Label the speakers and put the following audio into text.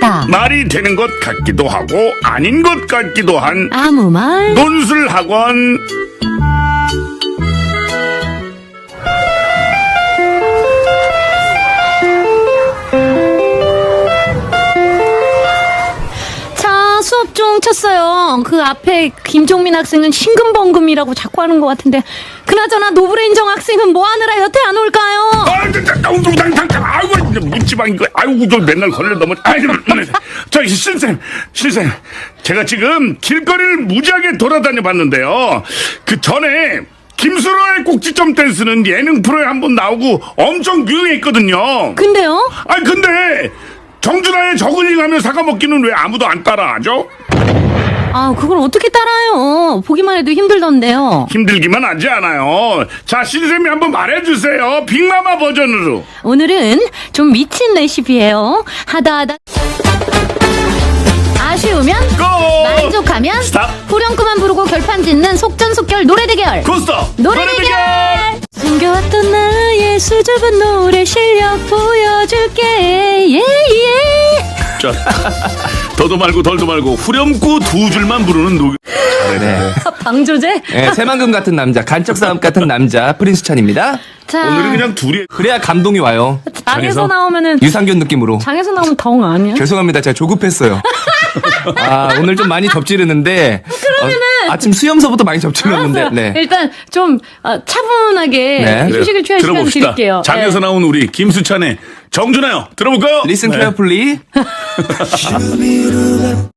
Speaker 1: 스탑.
Speaker 2: 말이 되는 것 같기도 하고 아닌 것 같기도 한
Speaker 1: 아무 말.
Speaker 2: 논술학원.
Speaker 1: 자, 수업 중 쳤어요. 그 앞에 김종민 학생은 신금번금이라고 자꾸 하는 것 같은데, 그나저나 노브레인정 학생은 뭐 하느라 여태 안 올까요?
Speaker 2: 아이고, 묻지마, 이거. 아이고, 저 맨날 걸려 넘어. 아이고, 저기, 신쌤. 제가 지금 길거리를 무지하게 돌아다녀 봤는데요. 그 전에, 김수로의 꼭지점 댄스는 예능 프로에 한번 나오고 엄청 유행했거든요.
Speaker 1: 근데요?
Speaker 2: 근데, 정준하의 저글링 하면 사과 먹기는 왜 아무도 안 따라하죠?
Speaker 1: 아, 그걸 어떻게 따라요? 보기만 해도 힘들던데요.
Speaker 2: 힘들기만 하지 않아요. 자, 신쌤이 한번 말해주세요. 빅마마 버전으로.
Speaker 1: 오늘은 좀 미친 레시피예요. 하다 아쉬우면
Speaker 2: 고!
Speaker 1: 만족하면
Speaker 2: 스탑!
Speaker 1: 후렴구만 부르고 결판 짓는 속전속결 노래 대결.
Speaker 2: 고스톱!
Speaker 1: 노래 대결! 숨겨왔던 나의 수줍은 노래 실력 보여줄게. 예.
Speaker 2: 자, 더도 말고 덜도 말고 후렴구 두 줄만 부르는
Speaker 3: 네.
Speaker 1: 방조제?
Speaker 3: 네, 새만금 같은 남자, 간척 싸움 같은 남자, 프린스 찬입니다.
Speaker 1: 자,
Speaker 2: 오늘은 그냥 둘이.
Speaker 3: 그래야 감동이 와요.
Speaker 1: 장에서 나오면은
Speaker 3: 유산균 느낌으로.
Speaker 1: 장에서 나오면 덩 아니야?
Speaker 3: 죄송합니다. 제가 조급했어요. 오늘 좀 많이 접지르는데. 아침 수염서부터 많이 접지르는데.
Speaker 1: 알았어요.
Speaker 3: 네.
Speaker 1: 일단 좀 차분하게
Speaker 3: 네.
Speaker 1: 휴식을 취할 시간
Speaker 2: 들어봅시다.
Speaker 1: 드릴게요.
Speaker 2: 장에서
Speaker 1: 네.
Speaker 2: 나온 우리 김수찬의 정준하요. 들어볼까요?
Speaker 3: Listen
Speaker 2: 네.
Speaker 3: carefully.